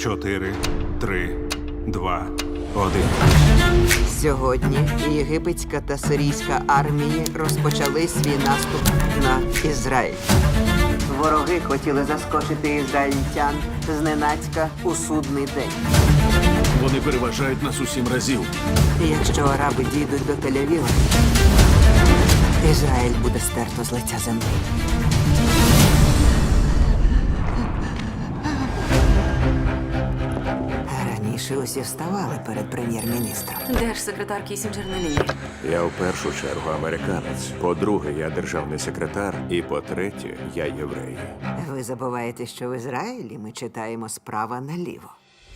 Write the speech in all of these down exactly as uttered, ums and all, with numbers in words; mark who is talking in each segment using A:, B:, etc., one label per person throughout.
A: Чотири, три, два, один.
B: Сьогодні єгипетська та сирійська армії розпочали свій наступ на Ізраїль. Вороги хотіли заскочити ізраїльтян зненацька у судний день.
C: Вони переважають нас у сім разів.
B: І якщо араби дійдуть до Тель-Авіва, Ізраїль буде стерто з лиця землі. Раніше усі вставали перед прем'єр-міністром.
D: Держсекретар Кісінджер на лінії.
E: Я в першу чергу американець. По-друге, я державний секретар. І по-третє, я єврей.
B: Ви забуваєте, що в Ізраїлі ми читаємо справа наліво.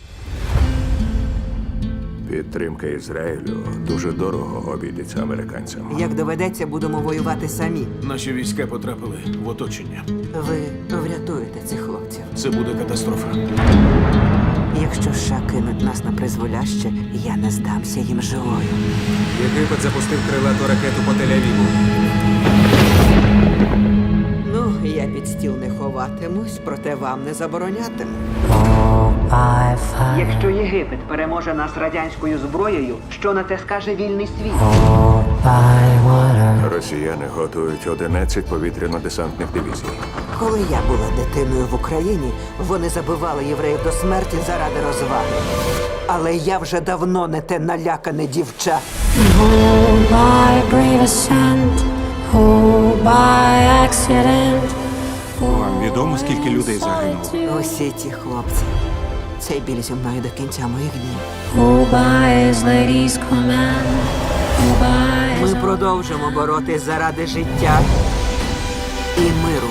E: Підтримка Ізраїлю дуже дорого обійдеться американцям.
B: Як доведеться, будемо воювати самі.
C: Наші війська потрапили в оточення.
B: Ви врятуєте цих хлопців.
C: Це буде катастрофа.
B: Якщо США кинуть нас на призволяще, я не здамся їм живою.
F: Єгипет запустив крилату ракету по Тель-Авіву.
B: Ну, я під стіл не ховатимусь, проте вам не заборонятиму. Якщо Єгипет переможе нас радянською зброєю, що на те скаже вільний світ?
E: Росіяни готують одинадцять повітряно-десантних дивізій.
B: Коли я була дитиною в Україні, вони забивали євреїв до смерті заради розваги. Але я вже давно не те налякане дівча.
G: Oh, by brave ascent, oh, by accident.
A: Вам відомо, скільки людей загинуло?
B: Усі ті хлопці. Цей біль зі мною до кінця моїх днів.
G: Oh, by his lady's command, oh, by his
B: Ми продовжимо боротись заради життя і миру.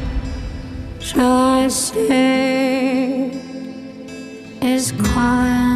G: shall I say is calling.